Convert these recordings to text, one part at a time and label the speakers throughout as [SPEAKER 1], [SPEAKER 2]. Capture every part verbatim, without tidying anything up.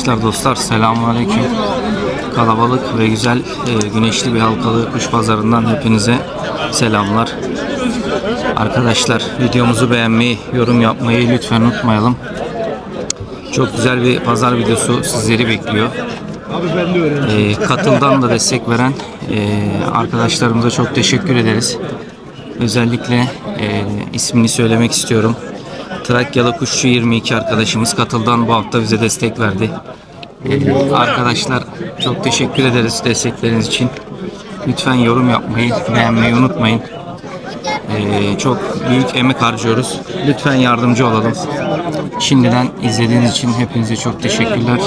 [SPEAKER 1] Arkadaşlar, dostlar, selamünaleyküm. Kalabalık ve güzel e, güneşli bir halkalı kuş pazarından hepinize selamlar. Arkadaşlar, videomuzu beğenmeyi, yorum yapmayı lütfen unutmayalım. Çok güzel bir pazar videosu sizleri bekliyor. E, Katıl'dan da destek veren e, arkadaşlarımıza çok teşekkür ederiz. Özellikle e, ismini söylemek istiyorum. Trakyalı Kuşçu yirmi iki arkadaşımız Katıl'dan bu hafta bize destek verdi. Ee, arkadaşlar, çok teşekkür ederiz destekleriniz için. Lütfen yorum yapmayı, beğenmeyi unutmayın. Ee, çok büyük emek harcıyoruz. Lütfen yardımcı olalım. Şimdiden izlediğiniz için hepinize çok teşekkürler.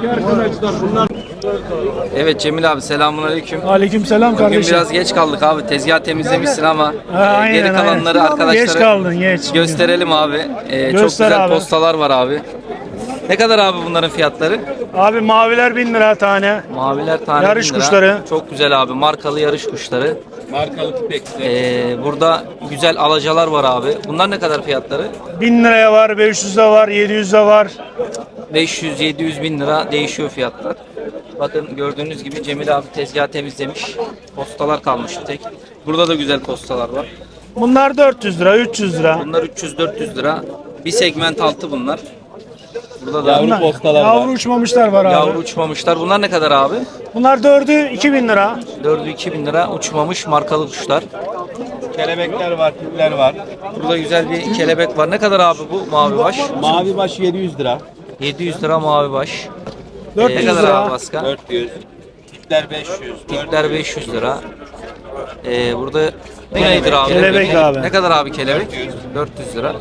[SPEAKER 1] Evet Cemil abi, selamünaleyküm.
[SPEAKER 2] Aleykümselam kardeşim.
[SPEAKER 1] Bugün biraz geç kaldık abi. Tezgah temizlemişsin ama
[SPEAKER 2] Ha, aynen,
[SPEAKER 1] geri kalanları
[SPEAKER 2] aynen.
[SPEAKER 1] arkadaşlara
[SPEAKER 2] Geç kaldın, geç.
[SPEAKER 1] gösterelim abi. Ee, çok
[SPEAKER 2] Göster
[SPEAKER 1] güzel
[SPEAKER 2] abi.
[SPEAKER 1] postalar var abi. Ne kadar abi bunların fiyatları?
[SPEAKER 2] Abi maviler bin lira tane.
[SPEAKER 1] Maviler tane
[SPEAKER 2] Yarış
[SPEAKER 1] bin lira.
[SPEAKER 2] kuşları.
[SPEAKER 1] Çok güzel abi. Markalı yarış kuşları.
[SPEAKER 3] Markalı tüpekli.
[SPEAKER 1] Ee, burada güzel alacalar var abi. Bunlar ne kadar fiyatları?
[SPEAKER 2] bin liraya var, beş yüze var, yedi yüze var.
[SPEAKER 1] beş yüz yedi yüz bin lira değişiyor fiyatlar. Bakın gördüğünüz gibi Cemil abi tezgah temizlemiş. Postalar kalmış tek. Burada da güzel postalar var.
[SPEAKER 2] Bunlar dört yüz lira, üç yüz lira.
[SPEAKER 1] Bunlar üç yüz dört yüz lira. Bir segment altı bunlar. Burada da
[SPEAKER 3] Yavru
[SPEAKER 2] Bunlar-
[SPEAKER 3] postalar
[SPEAKER 2] Yavru
[SPEAKER 3] var.
[SPEAKER 2] uçmamışlar var abi.
[SPEAKER 1] yavru uçmamışlar. Bunlar ne kadar abi?
[SPEAKER 2] Bunlar dördü iki bin lira.
[SPEAKER 1] dördü iki bin lira uçmamış markalı kuşlar.
[SPEAKER 3] Kelebekler var, tüpler var.
[SPEAKER 1] Burada güzel bir kelebek var. Ne kadar abi bu mavi baş?
[SPEAKER 3] Mavi baş yedi yüz lira.
[SPEAKER 1] yedi yüz lira mavi baş.
[SPEAKER 2] dört
[SPEAKER 1] Ee,
[SPEAKER 2] yüz
[SPEAKER 1] ne kadar
[SPEAKER 2] lira.
[SPEAKER 1] abi Baska?
[SPEAKER 3] dört yüz. Tüpler beş yüz.
[SPEAKER 1] Tipler beş yüz lira. Ee, burada bu nedir abi?
[SPEAKER 2] Kelebek abi.
[SPEAKER 1] Ne kadar abi kelebek? dört yüz lira.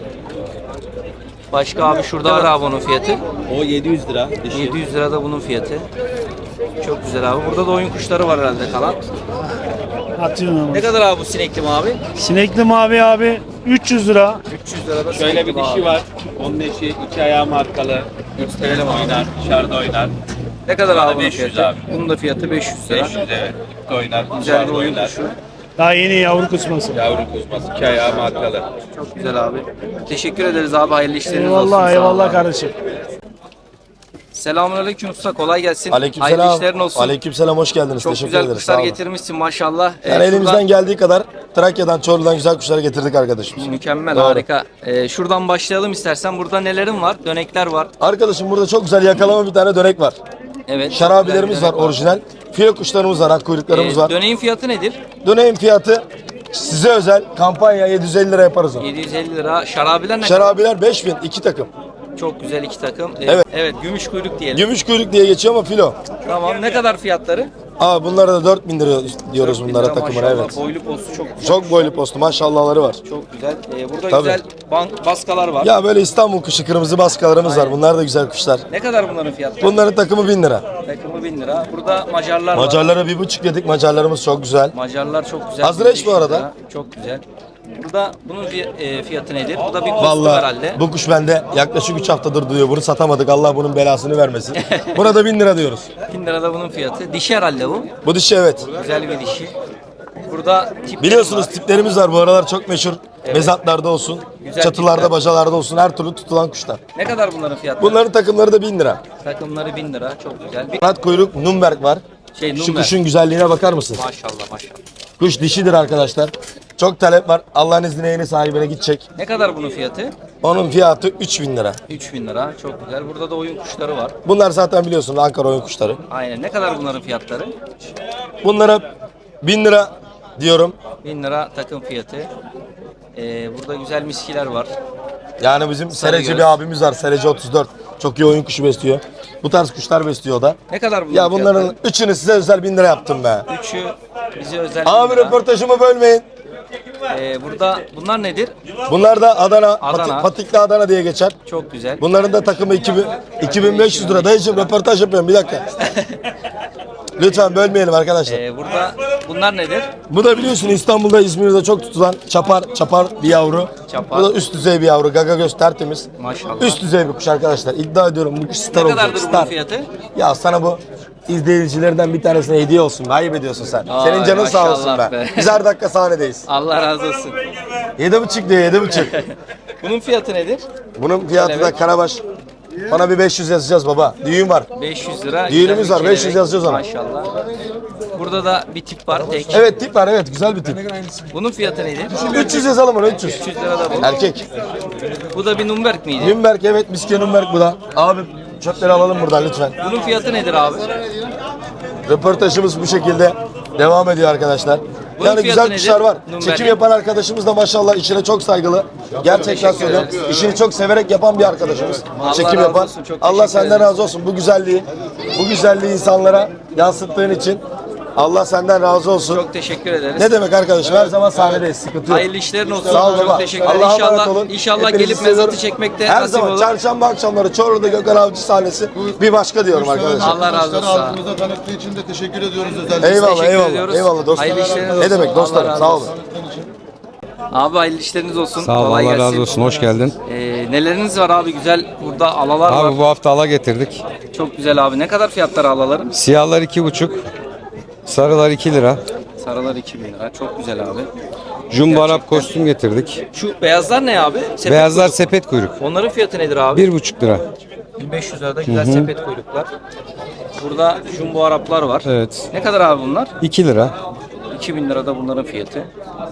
[SPEAKER 1] Başka abi şurada var abi onun fiyatı.
[SPEAKER 3] O yedi yüz lira. Dişi.
[SPEAKER 1] yedi yüz lira da bunun fiyatı. Çok güzel abi. Burada da oyun kuşları var herhalde kalan.
[SPEAKER 2] Atıyorum ama.
[SPEAKER 1] Ne kadar abi bu sinekli mavi?
[SPEAKER 2] Sinekli mavi abi üç yüz lira.
[SPEAKER 1] üç yüz lira da
[SPEAKER 3] Şöyle
[SPEAKER 1] sinekli
[SPEAKER 3] bir dişi
[SPEAKER 1] mavi.
[SPEAKER 3] var. Onun eşi iki ayağı markalı. Gösterelim oynar. Dışarıda oynar.
[SPEAKER 1] Ne kadar abi bunun
[SPEAKER 3] beş yüz
[SPEAKER 1] fiyatı?
[SPEAKER 3] abi.
[SPEAKER 1] Bunun da fiyatı beş yüz lira.
[SPEAKER 3] beş yüz evet. Dipte oynar.
[SPEAKER 1] Güzel bir
[SPEAKER 3] Dışarıda
[SPEAKER 1] oyun
[SPEAKER 3] oynar.
[SPEAKER 1] kuşu.
[SPEAKER 2] Daha yeni yavru kısması.
[SPEAKER 3] Yavru kuzması. iki ayağı markalı.
[SPEAKER 1] Çok güzel abi. Teşekkür ederiz abi. Hayırlı işleriniz olsun.
[SPEAKER 2] Eyvallah,
[SPEAKER 1] Sağ
[SPEAKER 2] eyvallah
[SPEAKER 1] olun.
[SPEAKER 2] kardeşim.
[SPEAKER 1] Selamünaleyküm usta. Kolay gelsin. Hayırlı
[SPEAKER 4] Aleykümselam.
[SPEAKER 1] işlerin olsun.
[SPEAKER 4] Aleykümselam, hoş geldiniz.
[SPEAKER 1] Çok
[SPEAKER 4] Teşekkür
[SPEAKER 1] güzel
[SPEAKER 4] ederiz.
[SPEAKER 1] kuşlar
[SPEAKER 4] Sağ olun.
[SPEAKER 1] getirmişsin maşallah. Ee,
[SPEAKER 4] Yani elimizden
[SPEAKER 1] şuradan-
[SPEAKER 4] geldiği kadar Trakya'dan, Çorlu'dan güzel kuşları getirdik arkadaşım.
[SPEAKER 1] Mükemmel,
[SPEAKER 4] Doğru.
[SPEAKER 1] harika. Ee, şuradan başlayalım istersen. Burada nelerin var? Dönekler var.
[SPEAKER 4] Arkadaşım, burada çok güzel yakalama bir tane dönek var.
[SPEAKER 1] Evet.
[SPEAKER 4] Şarabilerimiz
[SPEAKER 1] güzel
[SPEAKER 4] var,
[SPEAKER 1] bir dönek
[SPEAKER 4] orijinal. Filo kuşlarımız var, ak kuyruklarımız
[SPEAKER 1] Ee,
[SPEAKER 4] var.
[SPEAKER 1] Döneğin fiyatı nedir?
[SPEAKER 4] Döneğin fiyatı size özel kampanya yedi yüz elli lira yaparız onu.
[SPEAKER 1] yedi yüz elli lira. Şarabiler ne kadar?
[SPEAKER 4] Şarabiler beş bin, iki takım.
[SPEAKER 1] Çok güzel iki takım. Ee,
[SPEAKER 4] Evet.
[SPEAKER 1] Evet, gümüş kuyruk diyelim.
[SPEAKER 4] Gümüş kuyruk diye geçiyor ama filo.
[SPEAKER 1] Tamam. Ne kadar fiyatları?
[SPEAKER 4] Aa, bunlara da dört bin lira diyoruz
[SPEAKER 1] dört bin
[SPEAKER 4] bunlara
[SPEAKER 1] lira
[SPEAKER 4] takımına,
[SPEAKER 1] maşallah.
[SPEAKER 4] evet.
[SPEAKER 1] Boylu postu çok güzel.
[SPEAKER 4] Çok boylu postu, maşallahları var.
[SPEAKER 1] Çok güzel. Ee, burada
[SPEAKER 4] Tabii.
[SPEAKER 1] güzel bank, baskalar var.
[SPEAKER 4] Ya böyle İstanbul kuşu kırmızı baskalarımız var. Bunlar da güzel kuşlar.
[SPEAKER 1] Ne kadar bunların fiyatları?
[SPEAKER 4] Bunların takımı bin lira.
[SPEAKER 1] Takımı bin lira. Burada Macarlar var.
[SPEAKER 4] Macarlara bir buçuk dedik. Macarlarımız çok güzel.
[SPEAKER 1] Macarlar çok güzel.
[SPEAKER 4] Azrail bu
[SPEAKER 1] bin beş yüz
[SPEAKER 4] arada.
[SPEAKER 1] lira. Çok güzel. Burada bunun fiy- e, fiyatı nedir? Bu da bir kostüm
[SPEAKER 4] Vallahi
[SPEAKER 1] herhalde.
[SPEAKER 4] bu kuş bende yaklaşık üç haftadır duruyor. Bunu satamadık. Allah bunun belasını vermesin. Buna da bin lira diyoruz.
[SPEAKER 1] bin lira da bunun fiyatı. Dişi herhalde bu.
[SPEAKER 4] Bu dişi, evet.
[SPEAKER 1] Güzel bir dişi. Burada tipleri
[SPEAKER 4] Biliyorsunuz
[SPEAKER 1] var.
[SPEAKER 4] tiplerimiz var. Bu aralar çok meşhur. Mezatlarda olsun,
[SPEAKER 1] Güzel
[SPEAKER 4] çatılarda,
[SPEAKER 1] tipler.
[SPEAKER 4] bacalarda olsun, her türlü tutulan kuşlar.
[SPEAKER 1] Ne kadar bunların fiyatları?
[SPEAKER 4] Bunların takımları da bin lira.
[SPEAKER 1] Takımları bin lira. Çok güzel. Bir
[SPEAKER 4] Kanat kuyruk Nürnberg var.
[SPEAKER 1] şey
[SPEAKER 4] Şu
[SPEAKER 1] number.
[SPEAKER 4] kuşun güzelliğine bakar mısın?
[SPEAKER 1] Maşallah maşallah.
[SPEAKER 4] Kuş dişidir arkadaşlar. Çok talep var. Allah'ın izniyle yeni sahibine gidecek.
[SPEAKER 1] Ne kadar bunun fiyatı?
[SPEAKER 4] Onun fiyatı üç bin lira.
[SPEAKER 1] üç bin lira. Çok güzel. Burada da oyun kuşları var.
[SPEAKER 4] Bunlar zaten biliyorsunuz Ankara oyun kuşları.
[SPEAKER 1] Aynen. Ne kadar bunların fiyatları?
[SPEAKER 4] Bunlara bin lira diyorum.
[SPEAKER 1] bin lira takım fiyatı. Ee, burada güzel miskiler var.
[SPEAKER 4] Yani bizim Sereci
[SPEAKER 1] göz.
[SPEAKER 4] bir abimiz var. Sereci otuz dört. Çok iyi oyun kuşu besliyor. Bu tarz kuşlar besliyor o da.
[SPEAKER 1] Ne kadar bunların
[SPEAKER 4] Ya bunların
[SPEAKER 1] fiyatları?
[SPEAKER 4] üçünü size özel bin lira yaptım be.
[SPEAKER 1] Üçü bize özel
[SPEAKER 4] Abi
[SPEAKER 1] bin lira.
[SPEAKER 4] röportajımı bölmeyin.
[SPEAKER 1] Ee, burada bunlar nedir?
[SPEAKER 4] Bunlar da Adana,
[SPEAKER 1] Adana.
[SPEAKER 4] Pati- Patikli Adana diye geçer.
[SPEAKER 1] Çok güzel.
[SPEAKER 4] Bunların da takımı iki bin, iki bin beş yüz lira. Dayıcım röportaj yapıyorum, bir dakika. Lütfen bölmeyelim arkadaşlar.
[SPEAKER 1] Ee, burada bunlar nedir?
[SPEAKER 4] Bu da biliyorsun İstanbul'da, İzmir'de çok tutulan çapar, çapar bir yavru.
[SPEAKER 1] Çapar.
[SPEAKER 4] Bu da üst düzey bir yavru. Gaga göz tertemiz.
[SPEAKER 1] Maşallah.
[SPEAKER 4] Üst düzey bir kuş arkadaşlar. İddia ediyorum bu kuş star
[SPEAKER 1] Ne
[SPEAKER 4] olacak.
[SPEAKER 1] kadardır bunun
[SPEAKER 4] Star.
[SPEAKER 1] fiyatı?
[SPEAKER 4] Ya sana bu izleyicilerden bir tanesine hediye olsun. Ayıp ediyorsun sen.
[SPEAKER 1] Ay,
[SPEAKER 4] Senin canın sağ olsun
[SPEAKER 1] maşallah
[SPEAKER 4] be.
[SPEAKER 1] be.
[SPEAKER 4] Biz her dakika sahnedeyiz.
[SPEAKER 1] Allah razı olsun.
[SPEAKER 4] Yedi buçuk diyor, yedi buçuk.
[SPEAKER 1] Bunun fiyatı nedir?
[SPEAKER 4] Bunun fiyatı da
[SPEAKER 1] Evet.
[SPEAKER 4] Karabaş Bana bir beş yüz yazacağız baba. Düğün var.
[SPEAKER 1] beş yüz lira.
[SPEAKER 4] Düğünümüz
[SPEAKER 1] güzel bir
[SPEAKER 4] var, beş yüz
[SPEAKER 1] kelebek.
[SPEAKER 4] yazacağız ona.
[SPEAKER 1] Maşallah. Burada da bir tip var tek.
[SPEAKER 4] Evet tip var, evet güzel bir tip.
[SPEAKER 1] Bunun fiyatı neydi?
[SPEAKER 4] üç yüz yazalım onu, üç yüz.
[SPEAKER 1] üç yüz lira da bu.
[SPEAKER 4] Erkek.
[SPEAKER 1] Bu da bir Nürnberg miydi?
[SPEAKER 4] Nürnberg, evet miske Nürnberg bu da. Abi çöpleri alalım buradan lütfen.
[SPEAKER 1] Bunun fiyatı nedir abi?
[SPEAKER 4] Röportajımız bu şekilde devam ediyor arkadaşlar.
[SPEAKER 1] Bunun
[SPEAKER 4] Yani
[SPEAKER 1] fiyatı
[SPEAKER 4] güzel
[SPEAKER 1] nedir?
[SPEAKER 4] kuşlar var.
[SPEAKER 1] Nürnberg'in.
[SPEAKER 4] Çekim yapan arkadaşımız da maşallah işine çok saygılı. Gerçekten söylüyorum. İşini çok severek yapan bir arkadaşımız.
[SPEAKER 1] Allah
[SPEAKER 4] Çekim
[SPEAKER 1] razı
[SPEAKER 4] yapan.
[SPEAKER 1] olsun, çok
[SPEAKER 4] Allah
[SPEAKER 1] teşekkür
[SPEAKER 4] senden
[SPEAKER 1] ederim.
[SPEAKER 4] razı olsun. Bu güzelliği, bu güzelliği insanlara yansıttığın için Allah senden razı olsun.
[SPEAKER 1] Çok teşekkür ederiz.
[SPEAKER 4] Ne demek arkadaşım? Her zaman sahnedeyiz. Sıkıntı yok.
[SPEAKER 1] Hayırlı işlerin olsun.
[SPEAKER 4] Sağ ol
[SPEAKER 1] Çok
[SPEAKER 4] baba.
[SPEAKER 1] teşekkürler.
[SPEAKER 4] Allah'a emanet
[SPEAKER 1] İnşallah,
[SPEAKER 4] olun.
[SPEAKER 1] inşallah
[SPEAKER 4] Hepinizi
[SPEAKER 1] gelip
[SPEAKER 4] seviyorum.
[SPEAKER 1] mezatı çekmekte
[SPEAKER 4] Her
[SPEAKER 1] nasip
[SPEAKER 4] zaman
[SPEAKER 1] olur.
[SPEAKER 4] çarşamba akşamları Çorlu'da Gökhan Avcı sahnesi bir başka diyorum arkadaşlar.
[SPEAKER 1] Allah razı olsun.
[SPEAKER 5] Halkımıza tanıttığı için de teşekkür ediyoruz özellikle.
[SPEAKER 4] Eyvallah
[SPEAKER 1] Teşekkür
[SPEAKER 4] eyvallah.
[SPEAKER 1] ediyoruz.
[SPEAKER 4] Eyvallah dostlar.
[SPEAKER 1] Hayırlı işleriniz
[SPEAKER 4] Ne
[SPEAKER 1] olsun.
[SPEAKER 4] demek
[SPEAKER 1] Allah
[SPEAKER 4] dostlarım
[SPEAKER 1] razı
[SPEAKER 4] sağ olun.
[SPEAKER 1] olsun. Abi hayırlı işleriniz olsun.
[SPEAKER 6] Sağ ol,
[SPEAKER 1] Kolay
[SPEAKER 6] Allah
[SPEAKER 1] gelsin.
[SPEAKER 6] razı olsun. Hoş geldin.
[SPEAKER 1] Ee, neleriniz var abi güzel? Burada alalar var.
[SPEAKER 6] Abi bu hafta ala getirdik.
[SPEAKER 1] Çok güzel abi. Ne kadar fiyatları alaların?
[SPEAKER 6] Siyahlar iki buçuk, sarılar iki lira.
[SPEAKER 1] Sarılar iki bin lira. Çok güzel abi.
[SPEAKER 6] Jumbo Arap
[SPEAKER 1] Gerçekten.
[SPEAKER 6] kostüm getirdik.
[SPEAKER 1] Şu beyazlar ne abi? Sepet
[SPEAKER 6] Beyazlar
[SPEAKER 1] kuyruk.
[SPEAKER 6] sepet kuyruk.
[SPEAKER 1] Onların fiyatı nedir abi?
[SPEAKER 6] Bir buçuk lira.
[SPEAKER 1] bin beş yüz lirada güzel sepet kuyruklar. Burada jumbo Araplar var.
[SPEAKER 6] Evet.
[SPEAKER 1] Ne kadar abi bunlar?
[SPEAKER 6] iki lira.
[SPEAKER 1] iki bin lirada bunların fiyatı.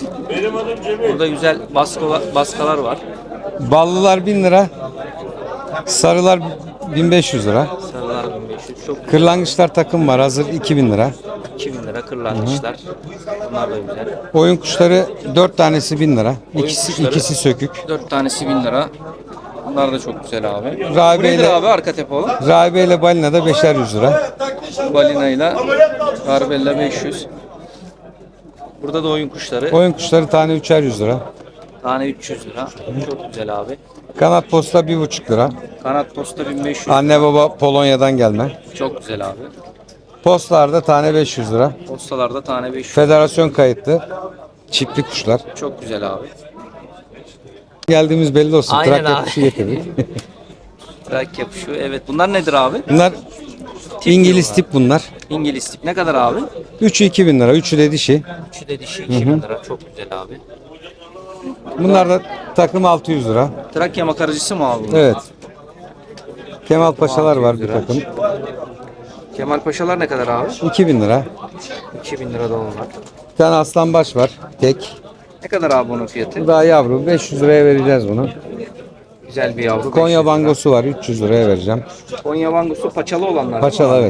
[SPEAKER 1] Burada güzel baskılar, baskalar var.
[SPEAKER 6] Ballılar bin lira. Sarılar bin beş yüz lira.
[SPEAKER 1] Sarılar bin beş yüz. Çok
[SPEAKER 6] Kırlangıçlar takım var hazır iki bin lira.
[SPEAKER 1] iki bin lira kırlangıçlar. Bunlar da güzel.
[SPEAKER 6] Oyun kuşları dört tanesi bin lira. İkisi,
[SPEAKER 1] kuşları.
[SPEAKER 6] ikisi sökük.
[SPEAKER 1] dört tanesi bin lira. Bunlar da çok güzel abi.
[SPEAKER 6] Rahibe
[SPEAKER 1] Bu nedir
[SPEAKER 6] ile-
[SPEAKER 1] abi arka tepe olan?
[SPEAKER 6] Rahibe ile balina da beşer yüz lira.
[SPEAKER 1] Balina ile Garbella beş yüz. Burada da oyun kuşları.
[SPEAKER 6] Oyun kuşları tane üçer yüz lira.
[SPEAKER 1] Tane üç yüz lira. Çok güzel abi.
[SPEAKER 6] Kanat posta bir buçuk lira.
[SPEAKER 1] Kanat posta bin beş yüz.
[SPEAKER 6] Anne baba Polonya'dan gelme.
[SPEAKER 1] Çok güzel abi.
[SPEAKER 6] Postlarda tane beş yüz lira.
[SPEAKER 1] Postalarda tane beş yüz.
[SPEAKER 6] Federasyon kayıtlı. Çiftli kuşlar.
[SPEAKER 1] Çok güzel abi.
[SPEAKER 6] Geldiğimiz belli olsun.
[SPEAKER 1] Aynen
[SPEAKER 6] Trakya
[SPEAKER 1] abi.
[SPEAKER 6] kuşu getirdik.
[SPEAKER 1] Trak yapışıyor. Evet. Bunlar nedir abi?
[SPEAKER 6] Bunlar
[SPEAKER 1] Tip
[SPEAKER 6] İngiliz
[SPEAKER 1] diyorlar.
[SPEAKER 6] tip bunlar.
[SPEAKER 1] İngiliz tip. Ne kadar abi?
[SPEAKER 6] Üçü iki bin lira. Üçü de dişi.
[SPEAKER 1] Üçü de dişi iki bin lira. Çok güzel abi.
[SPEAKER 6] Bunlar da takım altı yüz lira.
[SPEAKER 1] Trakya makaracısı mı abi? bunlar?
[SPEAKER 6] Evet. Kemal Paşalar var bir takım.
[SPEAKER 1] Kemal Paşalar ne kadar abi?
[SPEAKER 6] iki bin lira.
[SPEAKER 1] iki bin lira da onlar.
[SPEAKER 6] Bir tane aslanbaş var. Tek.
[SPEAKER 1] Ne kadar abi bunun fiyatı?
[SPEAKER 6] Bu daha yavru. beş yüz liraya vereceğiz bunu.
[SPEAKER 1] Güzel bir yavru. beş
[SPEAKER 6] Konya
[SPEAKER 1] yüz lira.
[SPEAKER 6] bangosu var. üç yüz liraya vereceğim.
[SPEAKER 1] Konya bangosu paçalı olanlar. değil mi
[SPEAKER 6] Paçalı
[SPEAKER 1] abi?
[SPEAKER 6] evet.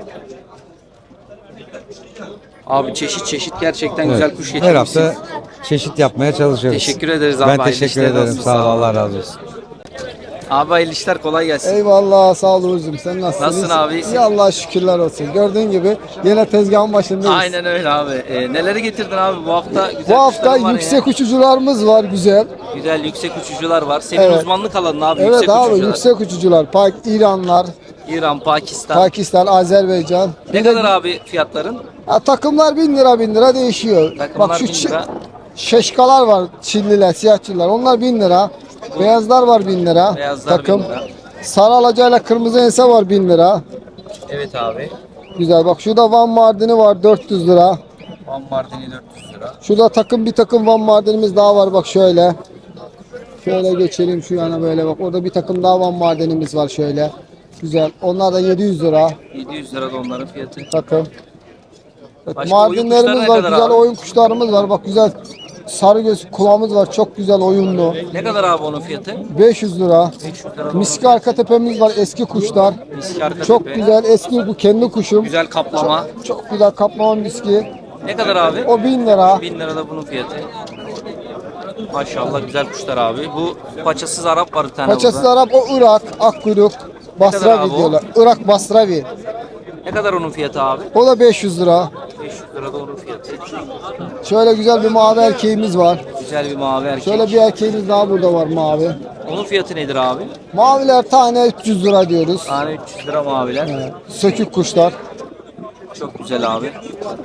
[SPEAKER 1] Abi çeşit çeşit gerçekten
[SPEAKER 6] Evet.
[SPEAKER 1] güzel kuş
[SPEAKER 6] Her
[SPEAKER 1] getirmişsin.
[SPEAKER 6] hafta çeşit yapmaya çalışıyoruz.
[SPEAKER 1] Teşekkür ederiz abi.
[SPEAKER 6] Ben
[SPEAKER 1] Hayırlı
[SPEAKER 6] teşekkür
[SPEAKER 1] işler
[SPEAKER 6] ederim.
[SPEAKER 1] olsun.
[SPEAKER 6] Sağ ol.
[SPEAKER 1] Sağ ol.
[SPEAKER 6] Allah razı olsun.
[SPEAKER 1] Abi hayırlı işler kolay gelsin.
[SPEAKER 7] Eyvallah sağ ol Uğur'cum, sen nasılsın?
[SPEAKER 1] Nasılsın
[SPEAKER 7] İyisin?
[SPEAKER 1] abi, iyisin?
[SPEAKER 7] İyi Allah'a şükürler olsun. Gördüğün gibi yine tezgahın başındayız.
[SPEAKER 1] Aynen öyle abi. Ee, neleri getirdin abi bu hafta? Güzel
[SPEAKER 7] Bu hafta
[SPEAKER 1] kuşların var
[SPEAKER 7] yüksek
[SPEAKER 1] ya.
[SPEAKER 7] uçucularımız var güzel.
[SPEAKER 1] Güzel yüksek uçucular var. Senin
[SPEAKER 7] Evet.
[SPEAKER 1] uzmanlık alanın abi
[SPEAKER 7] Evet
[SPEAKER 1] yüksek
[SPEAKER 7] abi
[SPEAKER 1] uçucular.
[SPEAKER 7] yüksek uçucular. Pak İranlar,
[SPEAKER 1] İran, Pakistan.
[SPEAKER 7] Pakistan, Azerbaycan.
[SPEAKER 1] Ne
[SPEAKER 7] Bir de-
[SPEAKER 1] kadar abi fiyatların?
[SPEAKER 7] Ha, takımlar bin lira bin lira değişiyor.
[SPEAKER 1] Takımlar
[SPEAKER 7] Bak şu
[SPEAKER 1] bin
[SPEAKER 7] çi-
[SPEAKER 1] lira.
[SPEAKER 7] şeşkalar var, Çinliler, siyahçılar. Onlar bin lira. Beyazlar var bin lira.
[SPEAKER 1] Beyazlar
[SPEAKER 7] takım.
[SPEAKER 1] bin lira.
[SPEAKER 7] Sarı alacayla kırmızı ense var bin lira.
[SPEAKER 1] Evet abi.
[SPEAKER 7] Güzel bak şurada Van Mardini var dört yüz lira.
[SPEAKER 1] Van Mardini dört yüz lira.
[SPEAKER 7] Şurada takım bir takım Van Mardinimiz daha var bak şöyle. Şöyle geçelim şu yana böyle bak. Orada bir takım daha Van Mardinimiz var şöyle. Güzel. Onlar da yedi yüz lira
[SPEAKER 1] yedi yüz lira da onların fiyatı.
[SPEAKER 7] takım. Evet,
[SPEAKER 1] Başka oyun kuşları
[SPEAKER 7] Mardinlerimiz
[SPEAKER 1] ne
[SPEAKER 7] var.
[SPEAKER 1] kadar
[SPEAKER 7] Güzel
[SPEAKER 1] abi?
[SPEAKER 7] oyun kuşlarımız var. Bak güzel sarı göz kulağımız var. Çok güzel oyunlu.
[SPEAKER 1] Ne kadar abi onun fiyatı?
[SPEAKER 7] beş yüz lira.
[SPEAKER 1] beş yüz lira da
[SPEAKER 7] Miski arka tepemiz var. Eski kuşlar.
[SPEAKER 1] Miski arka
[SPEAKER 7] Çok
[SPEAKER 1] tepe.
[SPEAKER 7] güzel. Eski bu kendi kuşum.
[SPEAKER 1] Güzel kaplama.
[SPEAKER 7] Çok güzel kaplama miski.
[SPEAKER 1] Ne kadar abi?
[SPEAKER 7] O bin lira.
[SPEAKER 1] bin lira da bunun fiyatı. Maşallah güzel kuşlar abi. Bu paçasız Arap var bir tane
[SPEAKER 7] Paçası
[SPEAKER 1] burada.
[SPEAKER 7] Arap o Irak. Akkuyruk.
[SPEAKER 1] kadar
[SPEAKER 7] Basravi
[SPEAKER 1] abi o?
[SPEAKER 7] diyorlar. Irak Basravi.
[SPEAKER 1] Ne kadar onun fiyatı abi?
[SPEAKER 7] O da beş yüz lira.
[SPEAKER 1] beş yüz lira da onun fiyatı.
[SPEAKER 7] Şöyle güzel bir mavi erkeğimiz var.
[SPEAKER 1] Güzel bir mavi erkek.
[SPEAKER 7] Şöyle bir erkeğimiz daha burada var mavi.
[SPEAKER 1] Onun fiyatı nedir abi?
[SPEAKER 7] Maviler tane üç yüz lira diyoruz.
[SPEAKER 1] Tane üç yüz lira maviler.
[SPEAKER 7] Sökük kuşlar.
[SPEAKER 1] Çok güzel abi.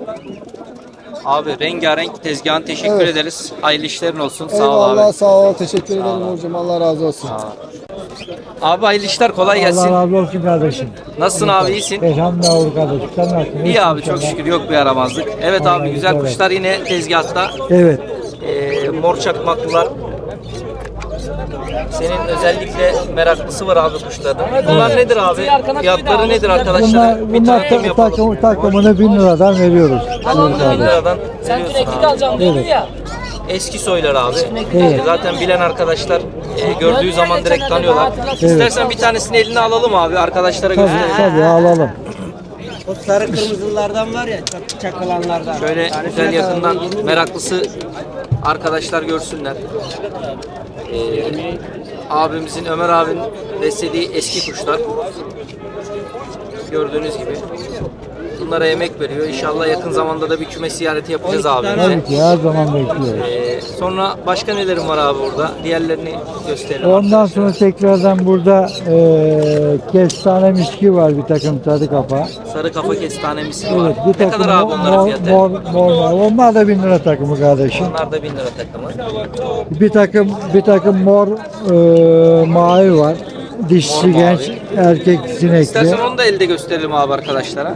[SPEAKER 1] Abi rengarenk tezgahın teşekkür
[SPEAKER 7] Evet.
[SPEAKER 1] ederiz. Hayırlı işlerin olsun. Sağ ol
[SPEAKER 7] Eyvallah
[SPEAKER 1] abi.
[SPEAKER 7] sağ ol. Teşekkür ederim hocam. Allah razı olsun.
[SPEAKER 1] Abi hayırlı işler kolay gelsin.
[SPEAKER 8] Allah razı olsun kardeşim.
[SPEAKER 1] Nasılsın abi iyisin?
[SPEAKER 8] Elhamdülillah olur kardeşim. Sen nasılsın?
[SPEAKER 1] İyi abi çok şükür yok bir yaramazlık. Evet abi güzel kuşlar yine tezgahta.
[SPEAKER 8] Evet.
[SPEAKER 1] Ee, mor çakmaklılar. Senin özellikle meraklısı var abi kuşların. Bunlar nedir abi? Fiyatları nedir arkadaşlar?
[SPEAKER 8] Bunlar,
[SPEAKER 1] Bir
[SPEAKER 8] bunlar
[SPEAKER 1] takdim
[SPEAKER 8] ta-
[SPEAKER 1] yapalım.
[SPEAKER 8] takım, takımını bin liradan veriyoruz.
[SPEAKER 1] bin liradan veriyorsun abi.
[SPEAKER 8] Evet.
[SPEAKER 1] Eski soylar abi.
[SPEAKER 8] Evet.
[SPEAKER 1] E, Zaten bilen arkadaşlar e, gördüğü zaman direkt tanıyorlar. İstersen bir tanesini eline alalım abi arkadaşlara
[SPEAKER 8] Tabii,
[SPEAKER 1] gösterelim.
[SPEAKER 8] tabii alalım.
[SPEAKER 9] O sarı kırmızılardan var ya, çak- çakılanlardan.
[SPEAKER 1] Şöyle güzel yakından meraklısı arkadaşlar görsünler. Ee, abimizin, Ömer abinin beslediği eski kuşlar. Gördüğünüz gibi. Bunlara emek veriyor. İnşallah yakın zamanda da bir küme ziyareti yapacağız abimize.
[SPEAKER 8] Tabii ki her zaman bekliyoruz.
[SPEAKER 1] Ee, sonra başka nelerim var abi burada? Diğerlerini gösterelim.
[SPEAKER 8] Ondan sonra tekrardan burada eee kestane miski var, bir takım sarı kafa.
[SPEAKER 1] Sarı kafa kestane misli var.
[SPEAKER 8] Evet, bir
[SPEAKER 1] Ne
[SPEAKER 8] takım
[SPEAKER 1] kadar abi
[SPEAKER 8] mor,
[SPEAKER 1] onların
[SPEAKER 8] mor,
[SPEAKER 1] fiyatı?
[SPEAKER 8] mor, mor var. Onlar da bin lira takımı kardeşim.
[SPEAKER 1] Onlar da bin lira takımı.
[SPEAKER 8] Bir takım bir takım mor eee mavi var. Dişisi
[SPEAKER 1] Mor mavi.
[SPEAKER 8] genç, erkek sinekli.
[SPEAKER 1] İstersen onu da elde gösterelim abi arkadaşlara.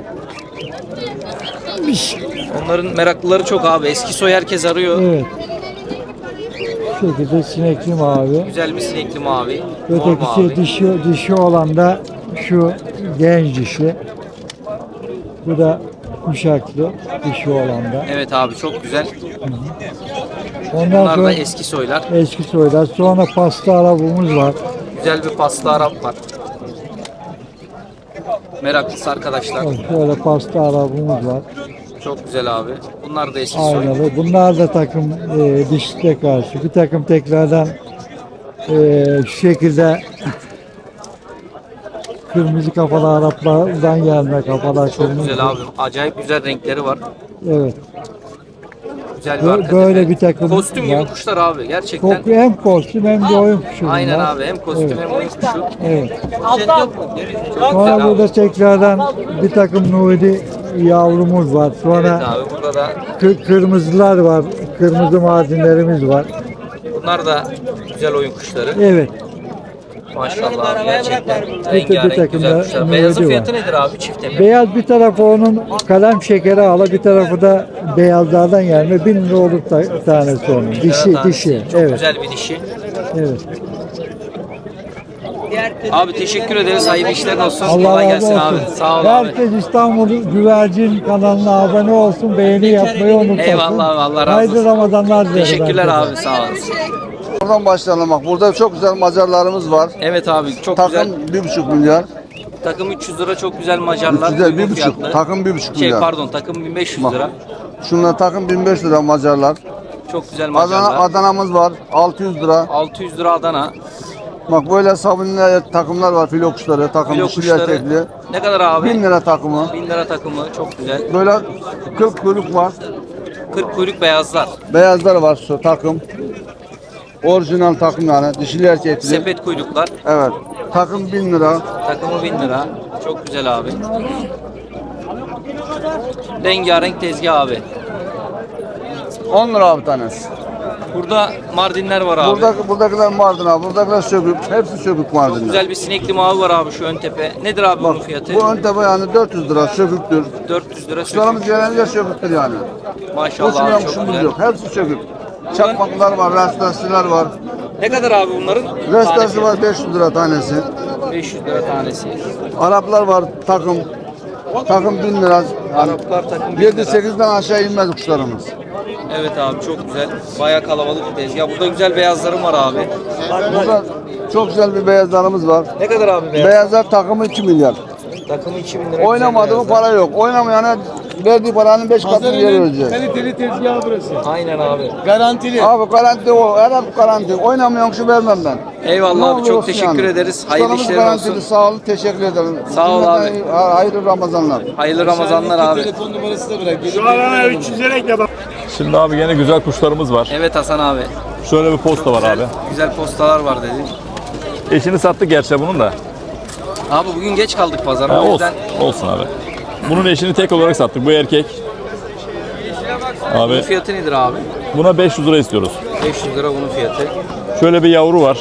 [SPEAKER 1] Onların meraklıları çok abi. Eski soy herkes arıyor.
[SPEAKER 8] Evet. Şu şekilde sinekli mavi.
[SPEAKER 1] Güzel bir sinekli mavi. Mor mavi.
[SPEAKER 8] Ötekisi dişi, dişi olan da şu genç dişi. Bu da kuşaklı dişi olan da.
[SPEAKER 1] Evet abi çok güzel.
[SPEAKER 8] Ondan
[SPEAKER 1] Bunlar
[SPEAKER 8] sonra
[SPEAKER 1] da eski soylar.
[SPEAKER 8] eski soylar. Sonra pasta arabamız var.
[SPEAKER 1] Güzel bir paslı Arap var. Meraklısı arkadaşlar.
[SPEAKER 8] Bak şöyle pasta arabamız var.
[SPEAKER 1] Çok güzel abi. Bunlar da eski soy.
[SPEAKER 8] Aynalı. Bunlar da takım e, dişle karşı. Bir takım tekrardan e, şu şekilde kırmızı kafalı Araplardan gelme kafalar
[SPEAKER 1] Çok
[SPEAKER 8] kırmızı.
[SPEAKER 1] güzel abi. Acayip güzel renkleri var.
[SPEAKER 8] Evet.
[SPEAKER 1] Güzel bir
[SPEAKER 8] Bö-
[SPEAKER 1] arka
[SPEAKER 8] böyle
[SPEAKER 1] tepe.
[SPEAKER 8] bir takım
[SPEAKER 1] Kostüm gibi
[SPEAKER 8] var.
[SPEAKER 1] kuşlar abi. Gerçekten.
[SPEAKER 8] Çok hem kostüm hem de oyun kuşu.
[SPEAKER 1] Aynen
[SPEAKER 8] bunlar.
[SPEAKER 1] abi. Hem kostüm
[SPEAKER 8] Evet.
[SPEAKER 1] hem oyun kuşu.
[SPEAKER 8] Evet.
[SPEAKER 1] Çok güzel
[SPEAKER 8] Sonra
[SPEAKER 1] abi.
[SPEAKER 8] burada tekrardan bir takım Nuri yavrumuz var.
[SPEAKER 1] Evet
[SPEAKER 8] Sonra
[SPEAKER 1] abi. Burada da
[SPEAKER 8] kı- kırmızılar var. Kırmızı mazinlerimiz var.
[SPEAKER 1] bunlar da güzel oyun kuşları.
[SPEAKER 8] Evet.
[SPEAKER 1] Maşallah abi. Gerçekten
[SPEAKER 8] bir
[SPEAKER 1] rengarenk
[SPEAKER 8] takım
[SPEAKER 1] güzel
[SPEAKER 8] da
[SPEAKER 1] kuşlar.
[SPEAKER 8] nuri
[SPEAKER 1] Beyazın
[SPEAKER 8] var.
[SPEAKER 1] fiyatı nedir abi çifte mi?
[SPEAKER 8] Beyaz bir tarafı onun kalem şekeri ala, bir tarafı da beyazlardan gelme. Bin lira olur ta- tanesi onun. Dişi,
[SPEAKER 1] Tanesi.
[SPEAKER 8] dişi.
[SPEAKER 1] Çok
[SPEAKER 8] Evet.
[SPEAKER 1] güzel bir dişi.
[SPEAKER 8] Evet.
[SPEAKER 1] Abi teşekkür ederiz. Hayırlı işler olsun.
[SPEAKER 8] Allah
[SPEAKER 1] Kolay
[SPEAKER 8] razı
[SPEAKER 1] gelsin
[SPEAKER 8] olsun.
[SPEAKER 1] abi. Sağ ol abi.
[SPEAKER 8] Herkes İstanbul Güvercin kanalına abone olsun, beğeni yapmayı unutmasın.
[SPEAKER 1] Eyvallah abi, Allah razı
[SPEAKER 8] Hayırlı
[SPEAKER 1] olsun.
[SPEAKER 8] Ramazanlar dileriz.
[SPEAKER 1] Teşekkürler
[SPEAKER 8] herkese.
[SPEAKER 1] abi. Sağ olasın.
[SPEAKER 5] Buradan başlayalım bak. Burada çok güzel Macarlarımız var.
[SPEAKER 1] Evet abi çok
[SPEAKER 5] Takım
[SPEAKER 1] güzel.
[SPEAKER 5] bir buçuk milyar.
[SPEAKER 1] Takım üç yüz lira çok güzel Macarlar.
[SPEAKER 5] Güzel
[SPEAKER 1] uygun
[SPEAKER 5] bir buçuk.
[SPEAKER 1] fiyatlı.
[SPEAKER 5] Takım bir buçuk
[SPEAKER 1] Şey
[SPEAKER 5] milyar.
[SPEAKER 1] pardon takım bin beş yüz lira.
[SPEAKER 5] Şunlar takım bin beş lira Macarlar.
[SPEAKER 1] Çok güzel
[SPEAKER 5] Adana,
[SPEAKER 1] Macarlar.
[SPEAKER 5] Adana'mız var. altı yüz lira.
[SPEAKER 1] altı yüz lira Adana.
[SPEAKER 5] Bak böyle sabunlu takımlar var. Filo kuşları. Takım
[SPEAKER 1] Filo
[SPEAKER 5] dişili
[SPEAKER 1] kuşları.
[SPEAKER 5] erkekli.
[SPEAKER 1] Ne kadar abi?
[SPEAKER 5] bin lira takımı.
[SPEAKER 1] bin lira takımı çok güzel.
[SPEAKER 5] Böyle kırk kuyruk var.
[SPEAKER 1] kırk kuyruk beyazlar.
[SPEAKER 5] Beyazlar var şu takım. Orijinal takım yani. Dişili erkekli.
[SPEAKER 1] Sepet kuyruklar.
[SPEAKER 5] Evet. Takım bin lira.
[SPEAKER 1] Takımı bin lira. Çok güzel abi. Rengarenk tezgah abi.
[SPEAKER 5] on lira abi tanesi.
[SPEAKER 1] Burada Mardinler var abi.
[SPEAKER 5] Buradaki, buradakiler Mardin abi. Buradakiler sökük. Hepsi sökük
[SPEAKER 1] Çok
[SPEAKER 5] Mardinler.
[SPEAKER 1] güzel bir sinekli mavi var abi şu ön tepe. Nedir abi bunun fiyatı?
[SPEAKER 5] Bu ön tepe yani dört yüz lira söküktür.
[SPEAKER 1] dört yüz lira sökük.
[SPEAKER 5] Kuşlarımız genellikle söküktür yani.
[SPEAKER 1] Maşallah
[SPEAKER 5] Uçmayan
[SPEAKER 1] abi çok
[SPEAKER 5] kuşumuz
[SPEAKER 1] güzel.
[SPEAKER 5] yok. Hepsi sökük. Çakmaklar var, rastasiler var.
[SPEAKER 1] Ne kadar abi bunların?
[SPEAKER 5] Rastası var beş yüz lira tanesi.
[SPEAKER 1] beş yüz lira tanesi.
[SPEAKER 5] Araplar var takım. Takım bin lira. Yani
[SPEAKER 1] Araplar takım bin
[SPEAKER 5] yedi
[SPEAKER 1] lira.
[SPEAKER 5] sekizden aşağı inmez kuşlarımız.
[SPEAKER 1] Evet abi çok güzel. Bayağı kalabalık bir tezgah. Burada güzel beyazlarım var abi.
[SPEAKER 5] Burada çok güzel bir beyazlarımız var.
[SPEAKER 1] Ne kadar abi beyaz?
[SPEAKER 5] Beyazlar takımı iki milyar.
[SPEAKER 1] Takımı iki bin lira.
[SPEAKER 5] Oynamadı
[SPEAKER 1] güzel
[SPEAKER 5] mı
[SPEAKER 1] beyazlar.
[SPEAKER 5] para yok. Oynamayana verdiği paranın beş katını geri verecek.
[SPEAKER 9] Kaliteli tezgah burası.
[SPEAKER 1] Aynen abi.
[SPEAKER 9] Garantili.
[SPEAKER 5] Abi garanti o. Her hep garanti. Oynamayan kuşu vermem ben.
[SPEAKER 1] Eyvallah
[SPEAKER 5] Ne
[SPEAKER 1] abi çok
[SPEAKER 5] olursa
[SPEAKER 1] teşekkür
[SPEAKER 5] yani.
[SPEAKER 1] ederiz. Hayırlı
[SPEAKER 5] Kuşlarımız
[SPEAKER 1] işlerin
[SPEAKER 5] garantili.
[SPEAKER 1] olsun.
[SPEAKER 5] Sağ olun. Teşekkür ederim.
[SPEAKER 1] Sağ ol abi.
[SPEAKER 5] Cümleten Hayırlı Ramazanlar.
[SPEAKER 1] Hayırlı Ramazanlar abi.
[SPEAKER 9] Telefon numarası da bırak.
[SPEAKER 2] Şu an üç yüz lira ekle bak.
[SPEAKER 10] Şimdi abi gene güzel kuşlarımız var.
[SPEAKER 1] Evet Hasan abi.
[SPEAKER 10] Şöyle bir posta var abi.
[SPEAKER 1] Güzel postalar var dedi.
[SPEAKER 10] Eşini sattık gerçi bunun da.
[SPEAKER 1] Abi bugün geç kaldık pazara.
[SPEAKER 10] Ha,
[SPEAKER 1] O
[SPEAKER 10] olsun,
[SPEAKER 1] yüzden
[SPEAKER 10] olsun abi. Bunun eşini tek olarak sattık. Bu erkek.
[SPEAKER 1] bunun
[SPEAKER 10] Abi
[SPEAKER 1] fiyatı nedir abi?
[SPEAKER 10] buna beş yüz lira istiyoruz.
[SPEAKER 1] beş yüz lira bunun fiyatı.
[SPEAKER 10] Şöyle bir yavru var.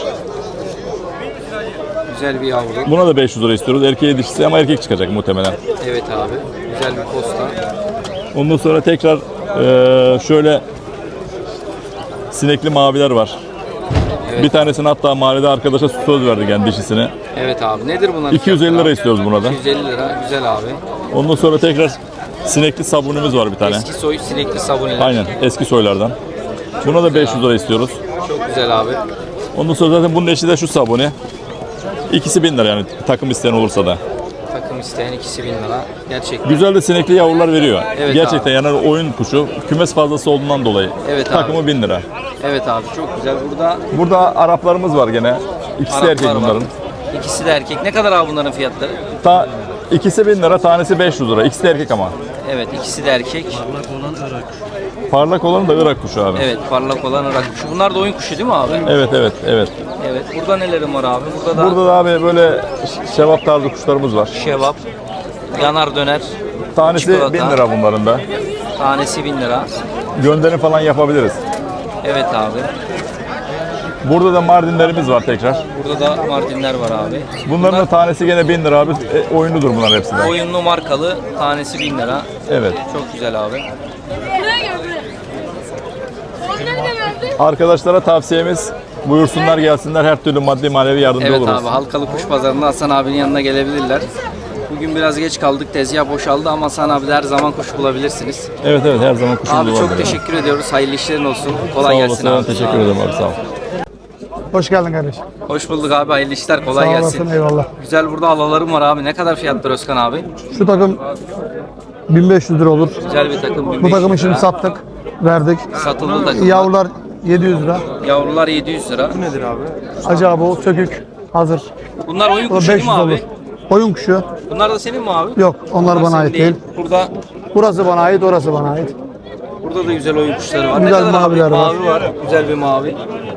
[SPEAKER 1] Güzel bir yavru.
[SPEAKER 10] Buna da beş yüz lira istiyoruz. Erkeğe dişisi ama erkek çıkacak muhtemelen.
[SPEAKER 1] Evet abi. Güzel bir posta.
[SPEAKER 10] Ondan sonra tekrar eee, şöyle sinekli maviler var.
[SPEAKER 1] Evet.
[SPEAKER 10] Bir tanesini hatta mahallede arkadaşa söz verdik yani dişisine.
[SPEAKER 1] Evet abi. Nedir bunlar?
[SPEAKER 10] iki yüz elli lira istiyoruz buna da.
[SPEAKER 1] iki yüz elli lira. Güzel abi.
[SPEAKER 10] Ondan sonra tekrar sinekli sabunumuz var bir tane.
[SPEAKER 1] Eski soy sinekli sabuniler.
[SPEAKER 10] Aynen eski soylardan. Buna da beş yüz lira istiyoruz.
[SPEAKER 1] Çok güzel abi.
[SPEAKER 10] Ondan sonra zaten bunun eşi de şu sabuni. İkisi bin lira yani takım isteyen olursa da.
[SPEAKER 1] Takım isteyen ikisi bin lira. Gerçekten.
[SPEAKER 10] Güzel de sinekli yavrular veriyor.
[SPEAKER 1] Evet
[SPEAKER 10] Gerçekten
[SPEAKER 1] abi.
[SPEAKER 10] yani oyun kuşu. Kümes fazlası olduğundan dolayı.
[SPEAKER 1] Evet abi.
[SPEAKER 10] Takımı bin lira.
[SPEAKER 1] Evet abi çok güzel. Burada
[SPEAKER 10] Burada Araplarımız var gene. İkisi de erkek
[SPEAKER 1] Araplar var.
[SPEAKER 10] bunların.
[SPEAKER 1] İkisi de erkek. Ne kadar abi bunların fiyatları?
[SPEAKER 10] Ta, ikisi bin lira, tanesi beş yüz lira. İkisi de erkek ama.
[SPEAKER 1] Evet ikisi de erkek.
[SPEAKER 10] Parlak olan da Irak kuşu abi.
[SPEAKER 1] Evet parlak olan Irak kuşu. Bunlar da oyun kuşu değil mi abi?
[SPEAKER 10] Evet evet evet.
[SPEAKER 1] Evet. Burada nelerim var abi? Burada da
[SPEAKER 10] Burada da abi böyle şevap tarzı kuşlarımız var.
[SPEAKER 1] şevap, yanar döner,
[SPEAKER 10] Tanesi
[SPEAKER 1] çikolata.
[SPEAKER 10] bin lira bunların da.
[SPEAKER 1] Tanesi bin lira.
[SPEAKER 10] Gönderim falan yapabiliriz.
[SPEAKER 1] Evet abi.
[SPEAKER 10] Burada da Mardinlerimiz var tekrar.
[SPEAKER 1] Burada da Mardinler var abi.
[SPEAKER 10] Bunların da tanesi gene bin lira abi. E, oyunludur bunlar hepsi de.
[SPEAKER 1] Oyunlu markalı tanesi bin lira.
[SPEAKER 10] Evet.
[SPEAKER 1] Çok güzel abi.
[SPEAKER 10] Arkadaşlara tavsiyemiz buyursunlar gelsinler, her türlü maddi manevi yardımcı
[SPEAKER 1] Evet
[SPEAKER 10] oluruz.
[SPEAKER 1] abi Halkalı Kuş Pazarı'nda Hasan abinin yanına gelebilirler. Bugün biraz geç kaldık. Tezgah boşaldı ama Hasan abi de her zaman kuş bulabilirsiniz.
[SPEAKER 10] Evet evet her zaman kuşumuz
[SPEAKER 1] Abi
[SPEAKER 10] var.
[SPEAKER 1] çok
[SPEAKER 10] böyle.
[SPEAKER 1] teşekkür ediyoruz. Hayırlı işlerin olsun. Kolay
[SPEAKER 10] Sağ
[SPEAKER 1] gelsin
[SPEAKER 10] olasın,
[SPEAKER 1] abi.
[SPEAKER 10] teşekkür ederim abi sağ ol.
[SPEAKER 2] Hoş geldin kardeşim.
[SPEAKER 1] Hoş bulduk abi. Hayırlı işler. Kolay
[SPEAKER 2] Sağ
[SPEAKER 1] gelsin.
[SPEAKER 2] olasın, eyvallah.
[SPEAKER 1] Güzel burada alalarım var abi. Ne kadar fiyatlar Özkan abi?
[SPEAKER 7] Şu takım bin beş yüz lira olur.
[SPEAKER 1] Güzel bir takım. bin
[SPEAKER 7] Bu
[SPEAKER 1] beş yüz
[SPEAKER 7] takımı şimdi
[SPEAKER 1] lira.
[SPEAKER 7] sattık, verdik.
[SPEAKER 1] Satıldı takım.
[SPEAKER 7] Yavrular yedi yüz lira.
[SPEAKER 1] Yavrular yedi yüz lira.
[SPEAKER 7] Acaba o sökük hazır.
[SPEAKER 1] Bunlar oyun
[SPEAKER 7] O da
[SPEAKER 1] kuşu değil
[SPEAKER 7] beş
[SPEAKER 1] mi
[SPEAKER 7] yüz olur.
[SPEAKER 1] abi?
[SPEAKER 7] Oyun kuşu.
[SPEAKER 1] Bunlar da senin mi abi?
[SPEAKER 7] Yok, onlar bana
[SPEAKER 1] senin
[SPEAKER 7] ait değil.
[SPEAKER 1] Burada
[SPEAKER 7] Burası bana ait, orası bana ait.
[SPEAKER 1] burada da güzel oyun kuşları var.
[SPEAKER 7] Güzel
[SPEAKER 1] ne kadar
[SPEAKER 7] maviler
[SPEAKER 1] abi?
[SPEAKER 7] var.
[SPEAKER 1] Mavi var. Güzel bir mavi.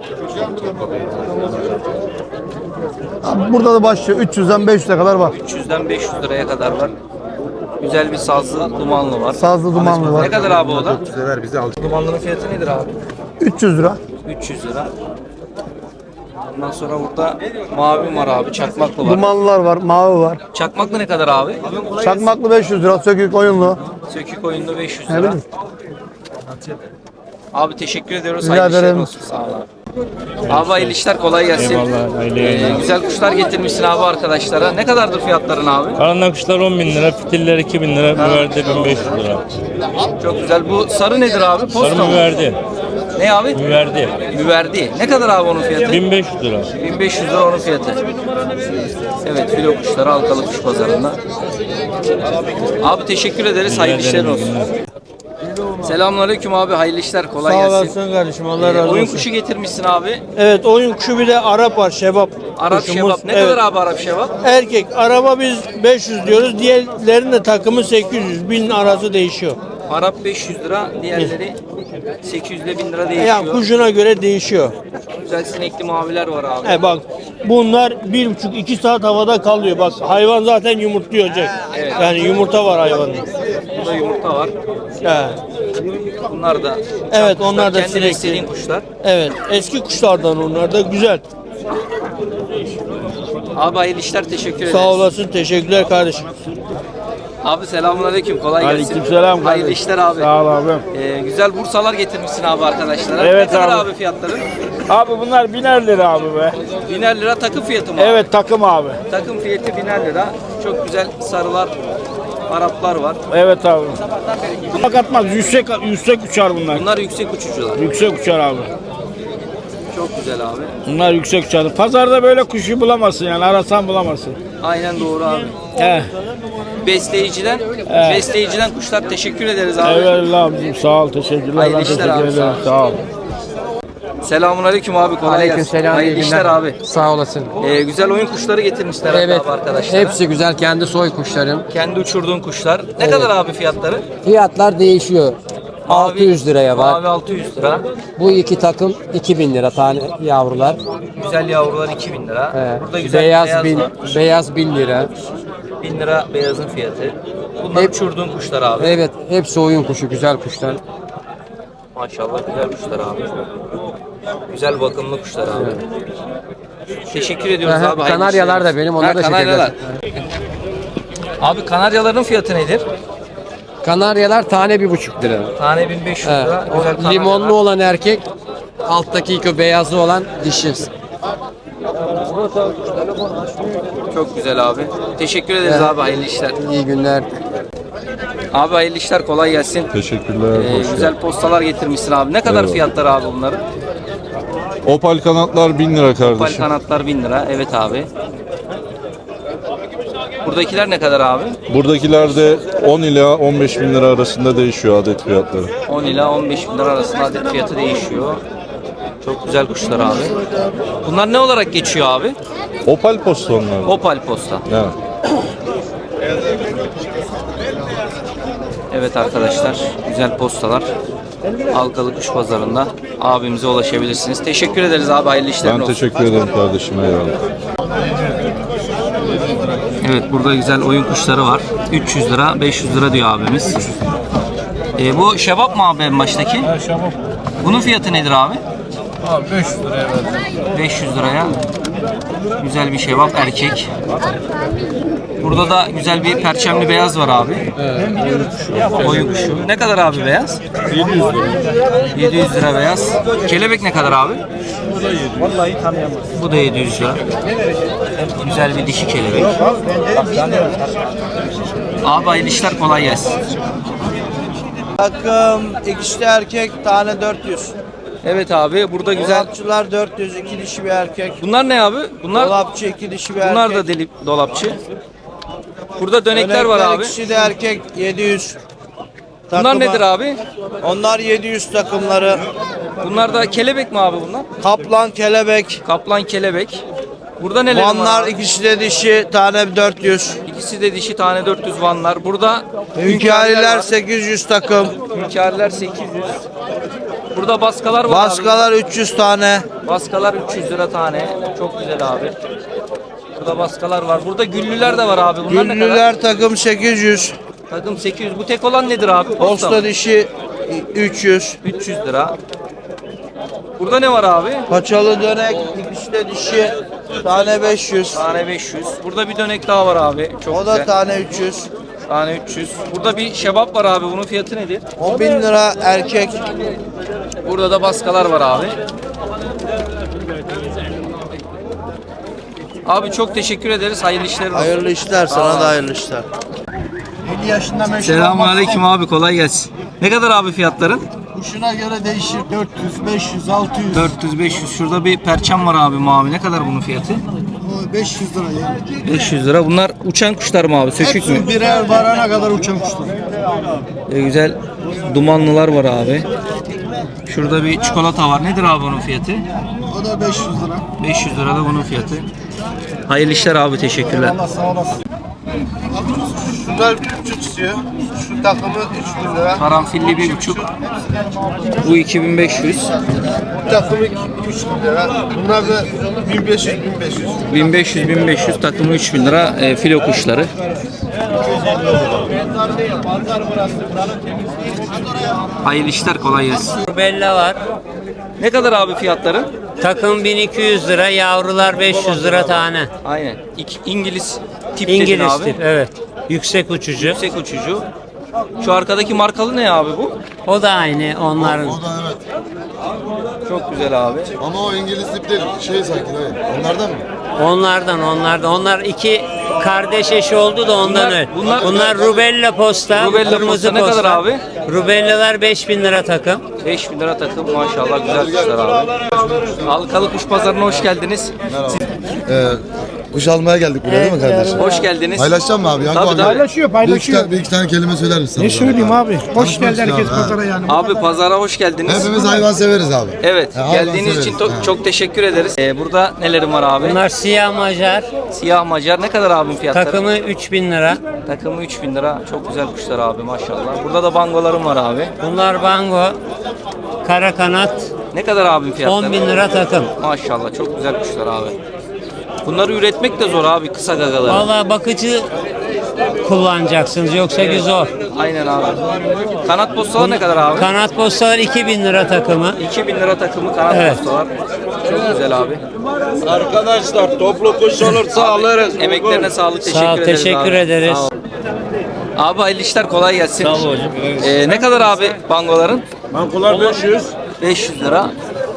[SPEAKER 7] Burada da başlıyor. üç yüzden beş yüze kadar var.
[SPEAKER 1] üç yüzden beş yüz liraya kadar var. Güzel bir sazlı dumanlı var.
[SPEAKER 7] Sazlı dumanlı
[SPEAKER 1] Ne
[SPEAKER 7] var.
[SPEAKER 1] kadar abi o da? Dumanlının fiyatı nedir abi?
[SPEAKER 7] üç yüz lira.
[SPEAKER 1] üç yüz lira. Ondan sonra burada mavi var abi. Çakmaklı var.
[SPEAKER 7] Dumanlılar var, mavi var.
[SPEAKER 1] Çakmaklı ne kadar abi?
[SPEAKER 7] Çakmaklı beş yüz lira, sökük oyunlu.
[SPEAKER 1] Sökük oyunda beş yüz
[SPEAKER 7] Ne
[SPEAKER 1] lira.
[SPEAKER 7] bileyim.
[SPEAKER 1] Abi teşekkür ediyoruz.
[SPEAKER 7] Rica
[SPEAKER 1] Hayırlı işler
[SPEAKER 7] ederim.
[SPEAKER 1] olsun. Sağ ol abi. Abi hayırlı işler, kolay gelsin. Ee, güzel kuşlar getirmişsin abi arkadaşlara. Ne kadardır fiyatların abi?
[SPEAKER 11] Karanlık kuşlar on bin lira, fitiller iki bin lira, müverde bin beş yüz lira.
[SPEAKER 1] Çok güzel. Bu sarı nedir abi? Posta
[SPEAKER 11] Sarı
[SPEAKER 1] mı?
[SPEAKER 11] müverdi,
[SPEAKER 1] Ne abi?
[SPEAKER 11] müverdi
[SPEAKER 1] Müverdi. Ne kadar abi onun fiyatı?
[SPEAKER 11] bin beş yüz lira.
[SPEAKER 1] bin beş yüz lira onun fiyatı. Evet, filo kuşları Halkalı Kuş Pazarı'nda. Abi teşekkür ederiz. Hayırlı işler olsun. Selamünaleyküm abi. Hayırlı işler. Kolay
[SPEAKER 9] Sağ
[SPEAKER 1] gelsin.
[SPEAKER 9] olasın kardeşim. Allah
[SPEAKER 1] Ee,
[SPEAKER 9] razı
[SPEAKER 1] oyun
[SPEAKER 9] olsun.
[SPEAKER 1] kuşu getirmişsin abi.
[SPEAKER 9] Evet oyun kuşu bir de Arap var şebap.
[SPEAKER 1] Arap
[SPEAKER 9] kuşumuz.
[SPEAKER 1] şebap. Ne
[SPEAKER 9] Evet.
[SPEAKER 1] kadar abi Arap şebap?
[SPEAKER 9] Erkek. Araba biz beş yüz diyoruz. Diğerlerinin de takımı sekiz yüz. bin arası değişiyor.
[SPEAKER 1] Arap beş yüz lira. Diğerleri sekiz yüz ile bin lira değişiyor.
[SPEAKER 9] Yani kuşuna göre değişiyor.
[SPEAKER 1] Güzel sinekli maviler var abi.
[SPEAKER 9] He bak bunlar bir buçuk iki saat havada kalıyor. Bak hayvan zaten yumurtlayacak.
[SPEAKER 1] Evet.
[SPEAKER 9] Yani yumurta var hayvanın.
[SPEAKER 1] Burada yumurta var.
[SPEAKER 9] He.
[SPEAKER 1] Bunlar da
[SPEAKER 9] Evet
[SPEAKER 1] kuşlar,
[SPEAKER 9] onlar da
[SPEAKER 1] kendi
[SPEAKER 9] sinekli.
[SPEAKER 1] beslediğin kuşlar.
[SPEAKER 9] Evet eski kuşlardan onlar da güzel.
[SPEAKER 1] Abi hayırlı işler, teşekkür ederiz.
[SPEAKER 9] Sağ olasın teşekkürler kardeşim.
[SPEAKER 1] Abi selamünaleyküm, kolay gelsin.
[SPEAKER 2] Aleykümselam
[SPEAKER 1] Hayırlı
[SPEAKER 2] kardeşim.
[SPEAKER 1] işler abi.
[SPEAKER 2] Sağ ol abim.
[SPEAKER 1] Ee, güzel bursalar getirmişsin abi arkadaşlara.
[SPEAKER 2] Evet
[SPEAKER 1] ne kadar
[SPEAKER 2] abi.
[SPEAKER 1] abi fiyatları?
[SPEAKER 2] Abi bunlar biner lira abi be.
[SPEAKER 1] Biner lira takım fiyatı mı?
[SPEAKER 2] Evet takım abi.
[SPEAKER 1] Abi? Takım fiyatı biner lira. Çok güzel sarılar, Araplar var.
[SPEAKER 2] Evet abi. Bunlar katmaz. Yüksek, yüksek uçar bunlar.
[SPEAKER 1] Bunlar yüksek uçucular.
[SPEAKER 2] Yüksek uçar abi.
[SPEAKER 1] Çok güzel abi.
[SPEAKER 2] Bunlar yüksek uçar. Pazarda böyle kuşu bulamazsın yani. Arasan bulamazsın.
[SPEAKER 1] Aynen doğru abi.
[SPEAKER 2] He.
[SPEAKER 1] Besleyiciden,
[SPEAKER 2] Evet.
[SPEAKER 1] besleyiciden kuşlar, teşekkür ederiz abi.
[SPEAKER 2] Eyvallah abicim. Sağ ol. Teşekkürler.
[SPEAKER 1] Hayırlı
[SPEAKER 2] Ben
[SPEAKER 1] işler
[SPEAKER 2] teşekkür
[SPEAKER 1] abi,
[SPEAKER 2] ederim.
[SPEAKER 1] sağ
[SPEAKER 2] Sağ ol.
[SPEAKER 1] Selamünaleyküm abi, kolay gelsin. Hayırlı işler abi.
[SPEAKER 12] Sağ olasın.
[SPEAKER 1] Ee, güzel oyun kuşları getirmişler
[SPEAKER 12] Evet.
[SPEAKER 1] abi arkadaşlar.
[SPEAKER 12] Hepsi güzel kendi soy kuşlarım.
[SPEAKER 1] Kendi uçurduğun kuşlar. Ne kadar abi fiyatları?
[SPEAKER 12] Fiyatlar değişiyor. altı yüz liraya var.
[SPEAKER 1] Mavi altı yüz lira.
[SPEAKER 12] Bu iki takım iki bin lira tane yavrular.
[SPEAKER 1] Güzel yavrular iki bin lira.
[SPEAKER 12] Ee,
[SPEAKER 1] Burada güzel
[SPEAKER 12] beyaz,
[SPEAKER 1] beyaz
[SPEAKER 12] bin,
[SPEAKER 1] var.
[SPEAKER 12] beyaz bin lira.
[SPEAKER 1] bin lira beyazın fiyatı. Bunlar
[SPEAKER 12] Hep-
[SPEAKER 1] uçurduğun kuşlar abi.
[SPEAKER 12] Evet hepsi oyun kuşu güzel kuşlar.
[SPEAKER 1] Maşallah güzel kuşlar abi. Güzel bakımlı kuşlar abi. Teşekkür ediyoruz
[SPEAKER 12] Aha,
[SPEAKER 1] abi. hayırlı
[SPEAKER 12] Kanaryalar
[SPEAKER 1] işler
[SPEAKER 12] da benim,
[SPEAKER 1] olsun.
[SPEAKER 12] onlar
[SPEAKER 1] Ha,
[SPEAKER 12] da
[SPEAKER 1] Kanaryalar. Abi kanaryaların fiyatı nedir?
[SPEAKER 12] Kanaryalar tane bir buçuk lira.
[SPEAKER 1] Tane bin beş yüz
[SPEAKER 12] He,
[SPEAKER 1] lira.
[SPEAKER 12] o
[SPEAKER 1] Güzel kanaryalar.
[SPEAKER 12] limonlu olan erkek alttaki ilk o beyazı olan dişi.
[SPEAKER 1] Çok güzel abi. Teşekkür ederiz abi. Hayırlı işler.
[SPEAKER 12] İyi günler.
[SPEAKER 1] Abi hayırlı işler. Kolay gelsin.
[SPEAKER 10] Teşekkürler.
[SPEAKER 1] Ee, güzel postalar getirmişsin abi. Ne kadar
[SPEAKER 10] Eyvallah.
[SPEAKER 1] fiyatları abi bunların?
[SPEAKER 10] Opal kanatlar bin lira
[SPEAKER 1] Opal kanatlar bin lira. Evet abi. Buradakiler ne kadar abi?
[SPEAKER 10] Buradakiler de on ila on beş bin lira arasında değişiyor adet fiyatları.
[SPEAKER 1] on ila on beş bin lira arasında adet fiyatı değişiyor. Çok güzel kuşlar abi. Bunlar ne olarak geçiyor abi?
[SPEAKER 10] Opal posta onlar.
[SPEAKER 1] Opal posta.
[SPEAKER 10] Evet.
[SPEAKER 1] Evet arkadaşlar, güzel postalar. Halkalı Kuş Pazarı'nda abimize ulaşabilirsiniz. Teşekkür ederiz abi, hayırlı işlerin
[SPEAKER 10] Ben
[SPEAKER 1] olsun.
[SPEAKER 10] teşekkür ederim kardeşim. Eyvallah.
[SPEAKER 1] Evet, burada güzel oyun kuşları var. üç yüz lira, beş yüz lira diyor abimiz. Ee, bu şebap mı abi en baştaki? Evet, şebap. Bunun fiyatı nedir abi?
[SPEAKER 2] Abi beş yüz liraya verdim.
[SPEAKER 1] beş yüz liraya. Güzel bir şebap erkek. Burada da güzel bir perçemli beyaz var abi. Oyun kuşu. Ne kadar abi beyaz?
[SPEAKER 2] yedi yüz lira.
[SPEAKER 1] yedi yüz lira beyaz. Kelebek ne kadar abi?
[SPEAKER 2] Vallahi tanıyamaz.
[SPEAKER 1] Bu da yedi yüz lira. Güzel bir dişi kelebek. Abi hayırlı işler, kolay gelsin.
[SPEAKER 9] Takım ikisi de erkek, tane dört yüz.
[SPEAKER 1] Evet abi, burada güzel.
[SPEAKER 9] Dolapçılar dört yüz, iki dişi bir erkek.
[SPEAKER 1] Bunlar ne abi? Bunlar
[SPEAKER 9] Dolapçı iki dişi bir erkek.
[SPEAKER 1] bunlar da deli dolapçı. Burada dönekler var abi.
[SPEAKER 9] İkisi de erkek, yedi yüz.
[SPEAKER 1] Bunlar
[SPEAKER 9] Takıma-
[SPEAKER 1] nedir abi?
[SPEAKER 9] Onlar yedi yüz takımları.
[SPEAKER 1] Bunlar da kelebek mi abi bunlar?
[SPEAKER 9] Kaplan, kelebek.
[SPEAKER 1] Kaplan, kelebek. Burada neler var?
[SPEAKER 9] Vanlar
[SPEAKER 1] abi?
[SPEAKER 9] ikisi de dişi, tane dört yüz.
[SPEAKER 1] İkisi de dişi, tane dört yüz vanlar. Burada
[SPEAKER 9] Hünkâriler
[SPEAKER 1] var.
[SPEAKER 9] sekiz yüz takım.
[SPEAKER 1] Hünkâriler sekiz yüz. Burada baskalar var
[SPEAKER 9] Baskalar üç yüz tane.
[SPEAKER 1] abi. Baskalar üç yüz lira tane. Çok güzel abi. Burada baskalar var. Burada güllüler de var abi. Bunlar ne kadar?
[SPEAKER 9] Güllüler takım sekiz yüz.
[SPEAKER 1] Takım sekiz yüz. Bu tek olan nedir abi? Posta mı?
[SPEAKER 9] Posta dişi üç yüz.
[SPEAKER 1] üç yüz lira. Burada ne var abi?
[SPEAKER 9] Paçalı dönek ikisi de dişi. Tane beş yüz.
[SPEAKER 1] Tane beş yüz. Burada bir dönek daha var abi. Çok
[SPEAKER 9] O da
[SPEAKER 1] güzel.
[SPEAKER 9] tane üç yüz.
[SPEAKER 1] Tane üç yüz. Burada bir şebap var abi. Bunun fiyatı nedir?
[SPEAKER 9] on bin lira erkek.
[SPEAKER 1] Burada da baskalar var abi. Abi çok teşekkür ederiz. Hayırlı işler olsun.
[SPEAKER 9] Hayırlı işler, sana da hayırlı işler. yedi yaşında meşhur.
[SPEAKER 1] Selamünaleyküm abi, kolay gelsin. Ne kadar abi fiyatların?
[SPEAKER 9] Kuşuna göre değişir. dört yüz, beş yüz, altı yüz.
[SPEAKER 1] dört yüz beş yüz. Şurada bir perçem var abi mavi. Ne kadar bunun fiyatı?
[SPEAKER 9] beş yüz lira ya.
[SPEAKER 1] beş yüz lira. Bunlar uçan kuşlar mı abi? Sökük mü?
[SPEAKER 9] birer varana kadar uçan kuşlar.
[SPEAKER 1] Ee, güzel dumanlılar var abi. Şurada bir çikolata var. Nedir abi onun fiyatı?
[SPEAKER 9] O da beş yüz lira.
[SPEAKER 1] beş yüz lira da bunun fiyatı. Hayırlı işler abi, teşekkürler.
[SPEAKER 9] Allah sağ olasın. Şunlar küçük istiyor. Şu takımı üç bin lira.
[SPEAKER 1] Karanfilli bir buçuk. Bu iki bin beş yüz.
[SPEAKER 9] Bu takımı üç bin lira. Bunlar da bin beş yüz, bin beş yüz.
[SPEAKER 1] bin beş yüz bin beş yüz takımı üç bin lira e, filo kuşları. Hayırlı işler, kolay gelsin.
[SPEAKER 12] Bella var.
[SPEAKER 1] Ne kadar abi fiyatları?
[SPEAKER 12] Takım bin iki yüz lira, yavrular beş yüz lira tane.
[SPEAKER 1] Aynen. İki, İngiliz tip dedin
[SPEAKER 12] İngiliz
[SPEAKER 1] abi.
[SPEAKER 12] tip, evet. Yüksek uçucu.
[SPEAKER 1] Yüksek uçucu. Şu arkadaki markalı ne abi bu?
[SPEAKER 12] O da aynı onların.
[SPEAKER 1] Çok güzel abi.
[SPEAKER 4] Ama o İngiliz tip değil. Şey sanki dayı. Onlardan mı?
[SPEAKER 12] Onlardan, onlardan. Onlar iki kardeş eşi oldu da ondan
[SPEAKER 1] Bunlar-
[SPEAKER 12] öyle.
[SPEAKER 1] bunlar-
[SPEAKER 12] Bunlar, rubella posta,
[SPEAKER 1] Rubella
[SPEAKER 12] kırmızı
[SPEAKER 1] posta ne
[SPEAKER 12] posta.
[SPEAKER 1] kadar abi?
[SPEAKER 12] Rubellalar beş bin lira takım.
[SPEAKER 1] beş bin lira takım, maşallah güzel kuşlar abi. Halkalı Kuş Pazarı'na hoş geldiniz.
[SPEAKER 4] Ee, kuş almaya geldik buraya değil mi kardeşim?
[SPEAKER 1] Hoş geldiniz.
[SPEAKER 4] Paylaşacağım mı abi? Yankı
[SPEAKER 1] Tabii,
[SPEAKER 4] abi.
[SPEAKER 1] tabii.
[SPEAKER 2] Paylaşıyor,
[SPEAKER 4] Bir iki,
[SPEAKER 2] paylaşıyor.
[SPEAKER 4] tane, bir iki tane kelime söyler misin?
[SPEAKER 2] Ne söyleyeyim abi? Hoş
[SPEAKER 4] Tanışmak
[SPEAKER 2] geldi herkes
[SPEAKER 4] istiyorum, ha.
[SPEAKER 2] pazara yani.
[SPEAKER 1] Abi pazara hoş geldiniz.
[SPEAKER 4] Hepimiz hayvan severiz abi.
[SPEAKER 1] Evet,
[SPEAKER 4] Ha, hayvan
[SPEAKER 1] geldiğiniz için
[SPEAKER 4] severiz.
[SPEAKER 1] to-
[SPEAKER 4] Ha.
[SPEAKER 1] çok teşekkür ederiz. Ee, burada nelerim var abi?
[SPEAKER 12] Bunlar siyah macar.
[SPEAKER 1] Siyah Macar ne kadar abim fiyatları?
[SPEAKER 12] Takımı üç bin lira.
[SPEAKER 1] Takımı üç bin lira. Çok güzel kuşlar abi, maşallah. Burada da bangolarım var abi.
[SPEAKER 12] Bunlar bango. Kara kanat.
[SPEAKER 1] Ne kadar abim fiyatları?
[SPEAKER 12] on bin lira takım.
[SPEAKER 1] Maşallah çok güzel kuşlar abi. Bunları üretmek de zor abi, kısa gagaları.
[SPEAKER 12] Vallahi bakıcı kullanacaksınız yoksa bir zor.
[SPEAKER 1] Aynen abi. Kanat postalar ne kadar abi?
[SPEAKER 12] Kanat postalar iki bin lira takımı.
[SPEAKER 1] iki bin lira takımı kanat
[SPEAKER 12] Evet.
[SPEAKER 1] postalar. Çok güzel abi.
[SPEAKER 2] Arkadaşlar toplu kuş olursa alırız.
[SPEAKER 1] Emeklerine sağlık, teşekkür
[SPEAKER 12] Sağ ol,
[SPEAKER 1] ederiz
[SPEAKER 12] teşekkür
[SPEAKER 1] abi.
[SPEAKER 12] ederiz.
[SPEAKER 1] Sağ ol. Abi hayırlı işler, kolay gelsin.
[SPEAKER 11] Sağ ol hocam.
[SPEAKER 1] Ee, ne kadar abi bangoların?
[SPEAKER 2] Bankolar beş yüz.
[SPEAKER 1] beş yüz lira.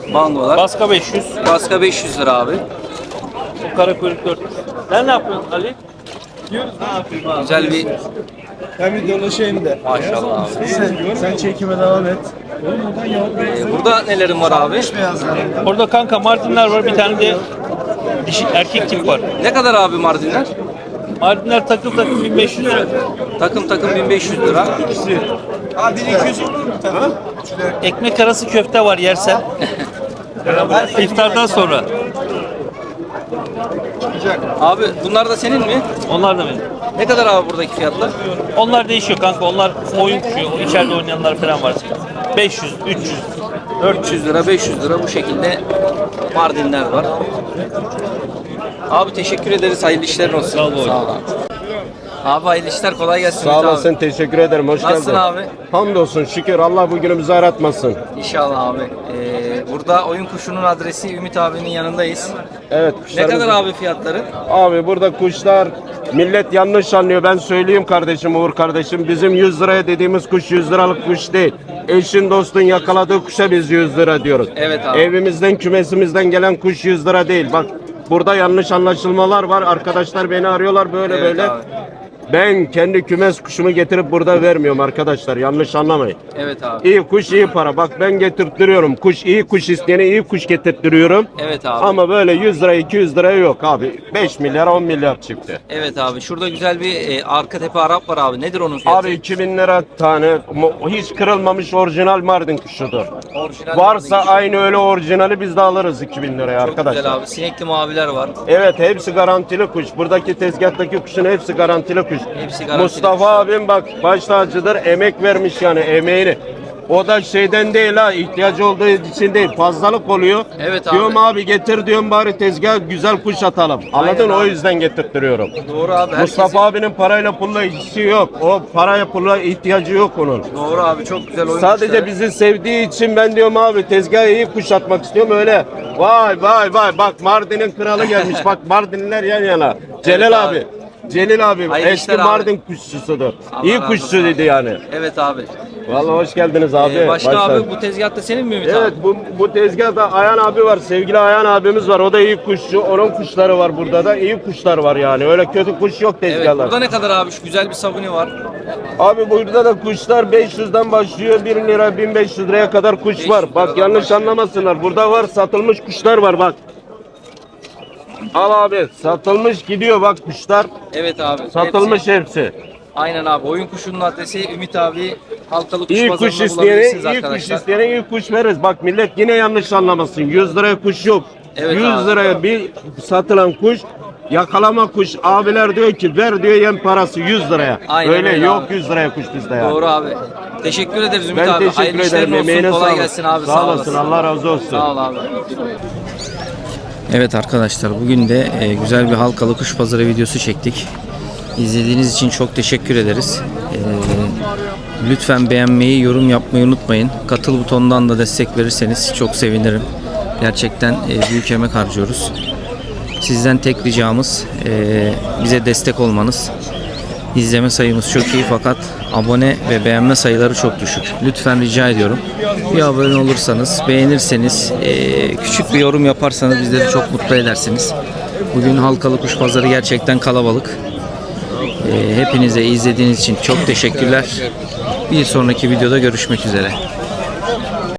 [SPEAKER 1] Bangolar.
[SPEAKER 11] Baska beş yüz.
[SPEAKER 1] Baska beş yüz lira abi.
[SPEAKER 11] Bu kara kuyruk dört yüz. Sen ne yapıyorsun Ali?
[SPEAKER 1] Güzel bir
[SPEAKER 2] Ben bir dolaşayım da.
[SPEAKER 1] maşallah abi.
[SPEAKER 2] Sen çekime devam et.
[SPEAKER 1] Ee, burada nelerin var abi?
[SPEAKER 11] Orada kanka Mardinler var. Bir tane de dişi, erkek tip var.
[SPEAKER 1] Ne kadar abi Mardinler?
[SPEAKER 11] Mardinler takım takım bin beş yüz lira.
[SPEAKER 1] Takım takım bin beş yüz lira.
[SPEAKER 11] Ekmek arası köfte var yersen. İftardan sonra.
[SPEAKER 1] Abi bunlar da senin mi?
[SPEAKER 11] Onlar da benim.
[SPEAKER 1] Ne kadar abi buradaki fiyatlar?
[SPEAKER 11] Onlar değişiyor kanka. Onlar oyun kuşu. İçeride oynayanlar falan var. beş yüz, üç yüz.
[SPEAKER 1] dört yüz lira, beş yüz lira bu şekilde Mardinler var. Abi teşekkür ederiz. Hayırlı işlerin olsun. Sağ ol abi. Abi hayırlı işler, kolay gelsin.
[SPEAKER 13] Sağ
[SPEAKER 1] Ümit
[SPEAKER 13] olasın,
[SPEAKER 1] abi.
[SPEAKER 13] teşekkür ederim. Hoş
[SPEAKER 1] Nasılsın
[SPEAKER 13] geldin.
[SPEAKER 1] abi?
[SPEAKER 13] Hamdolsun, şükür. Allah bugünümüzü aratmasın.
[SPEAKER 1] İnşallah abi. Ee, burada oyun kuşunun adresi Ümit abinin yanındayız.
[SPEAKER 13] Evet,
[SPEAKER 1] Ne
[SPEAKER 13] kuşlarımız...
[SPEAKER 1] kadar abi fiyatları?
[SPEAKER 13] Abi burada kuşlar, millet yanlış anlıyor. Ben söyleyeyim kardeşim, Uğur kardeşim. Bizim yüz liraya dediğimiz kuş yüz liralık kuş değil. Eşin dostun yakaladığı kuşa biz yüz lira diyoruz.
[SPEAKER 1] Evet abi.
[SPEAKER 13] Evimizden, kümesimizden gelen kuş yüz lira değil. Bak burada yanlış anlaşılmalar var. Arkadaşlar beni arıyorlar böyle
[SPEAKER 1] Evet
[SPEAKER 13] böyle.
[SPEAKER 1] abi.
[SPEAKER 13] Ben kendi kümes kuşumu getirip burada vermiyorum arkadaşlar. Yanlış anlamayın.
[SPEAKER 1] Evet abi.
[SPEAKER 13] İyi kuş iyi para. Bak ben getirttiriyorum. Kuş iyi kuş isteyene iyi kuş getirttiriyorum.
[SPEAKER 1] Evet abi.
[SPEAKER 13] Ama böyle yüz lira iki yüz liraya yok abi. beş milyar on milyar çıktı.
[SPEAKER 1] Evet abi. Şurada güzel bir e, arka tepe Arap var abi. Nedir onun fiyatı?
[SPEAKER 13] Abi iki bin lira tane mo- hiç kırılmamış orijinal Mardin kuşudur.
[SPEAKER 1] Orijinal
[SPEAKER 13] Varsa
[SPEAKER 1] Mardin.
[SPEAKER 13] aynı öyle orijinali biz de alırız iki bin liraya
[SPEAKER 1] Çok
[SPEAKER 13] arkadaşlar.
[SPEAKER 1] güzel abi. Sinekli maviler var.
[SPEAKER 13] Evet hepsi garantili kuş. Buradaki tezgahtaki kuşun hepsi garantili kuş.
[SPEAKER 1] Hepsi garantili
[SPEAKER 13] Mustafa
[SPEAKER 1] kuş.
[SPEAKER 13] abim bak baş tacıdır, emek vermiş yani emeğini. O da şeyden değil ha, ihtiyacı olduğu için değil, fazlalık oluyor.
[SPEAKER 1] Evet abi.
[SPEAKER 13] Diyorum abi getir diyorum bari tezgah güzel kuş atalım. Anladın?
[SPEAKER 1] Aynen
[SPEAKER 13] O
[SPEAKER 1] abi.
[SPEAKER 13] yüzden getirttiriyorum.
[SPEAKER 1] Doğru abi. Herkesin...
[SPEAKER 13] Mustafa abinin parayla pulla işi yok. O paraya pulla ihtiyacı yok onun.
[SPEAKER 1] Doğru abi. Çok güzel oyun
[SPEAKER 13] Sadece
[SPEAKER 1] kuşları.
[SPEAKER 13] bizi sevdiği için ben diyorum abi tezgaha iyi kuş atmak istiyorum öyle. Vay vay vay bak Mardin'in kralı gelmiş. Bak Mardinliler yan yana. Celal
[SPEAKER 1] abi.
[SPEAKER 13] abi. Celil abim
[SPEAKER 1] Hayırlı
[SPEAKER 13] eski
[SPEAKER 1] işler abi.
[SPEAKER 13] Mardin kuşçusudur.
[SPEAKER 1] Allah
[SPEAKER 13] İyi
[SPEAKER 1] razı
[SPEAKER 13] kuşçu
[SPEAKER 1] olsun
[SPEAKER 13] dedi
[SPEAKER 1] abi.
[SPEAKER 13] yani.
[SPEAKER 1] Evet abi.
[SPEAKER 13] Vallahi hoş geldiniz abi.
[SPEAKER 1] Ee, başka
[SPEAKER 13] Başla.
[SPEAKER 1] abi bu tezgahta senin mi Ümit
[SPEAKER 13] Evet
[SPEAKER 1] abi?
[SPEAKER 13] bu, bu tezgahta Ayhan abi var. Sevgili Ayhan abimiz var. O da iyi kuşçu. Onun kuşları var burada da. İyi kuşlar var yani. Öyle kötü kuş yok
[SPEAKER 1] Evet.
[SPEAKER 13] tezgahlar.
[SPEAKER 1] Burada ne kadar abi? Şu güzel bir sabuni var.
[SPEAKER 13] Abi burada da kuşlar beş yüzden başlıyor. bir lira bin beş yüz liraya kadar kuş
[SPEAKER 1] beş yüz
[SPEAKER 13] var.
[SPEAKER 1] liradan
[SPEAKER 13] Bak yanlış
[SPEAKER 1] başlıyor.
[SPEAKER 13] anlamasınlar. Burada var satılmış kuşlar var bak. Al abi satılmış gidiyor bak kuşlar.
[SPEAKER 1] Evet abi.
[SPEAKER 13] Satılmış
[SPEAKER 1] Hepsi.
[SPEAKER 13] hepsi.
[SPEAKER 1] Aynen abi. Oyun kuşunun adresi Ümit abi. Halkalı kuş
[SPEAKER 13] İyi
[SPEAKER 1] pazarında
[SPEAKER 13] kuş isteyene,
[SPEAKER 1] bulabilirsiniz
[SPEAKER 13] iyi kuş
[SPEAKER 1] arkadaşlar.
[SPEAKER 13] isteyene iyi kuş veririz. Bak millet yine yanlış anlamasın. yüz liraya kuş yok.
[SPEAKER 1] Evet
[SPEAKER 13] yüz
[SPEAKER 1] abi.
[SPEAKER 13] liraya bir satılan kuş yakalama kuş. Abiler diyor ki ver diyor yem parası yüz liraya.
[SPEAKER 1] Aynen
[SPEAKER 13] öyle
[SPEAKER 1] öyle
[SPEAKER 13] yok
[SPEAKER 1] abi.
[SPEAKER 13] yüz liraya kuş bizde yani.
[SPEAKER 1] Doğru abi. Teşekkür ederiz Ümit
[SPEAKER 13] Ben
[SPEAKER 1] abi.
[SPEAKER 13] teşekkür
[SPEAKER 1] Hayırlı
[SPEAKER 13] ederim.
[SPEAKER 1] işlerin olsun.
[SPEAKER 13] Emeğine
[SPEAKER 1] Kolay
[SPEAKER 13] sağlık.
[SPEAKER 1] gelsin abi.
[SPEAKER 13] Sağ olasın. Allah razı olsun.
[SPEAKER 1] Sağ ol abi.
[SPEAKER 14] Evet arkadaşlar bugün de e, güzel bir halkalı kuş pazarı videosu çektik. İzlediğiniz için çok teşekkür ederiz. E, lütfen beğenmeyi, yorum yapmayı unutmayın. Katıl butonundan da destek verirseniz çok sevinirim. Gerçekten e, büyük emek harcıyoruz. Sizden tek ricamız e, bize destek olmanız. İzleme sayımız çok iyi fakat abone ve beğenme sayıları çok düşük. Lütfen rica ediyorum. Bir abone olursanız, beğenirseniz, e, küçük bir yorum yaparsanız bizleri çok mutlu edersiniz. Bugün halkalı kuş pazarı gerçekten kalabalık. E, hepinize izlediğiniz için çok teşekkürler. Bir sonraki videoda görüşmek üzere.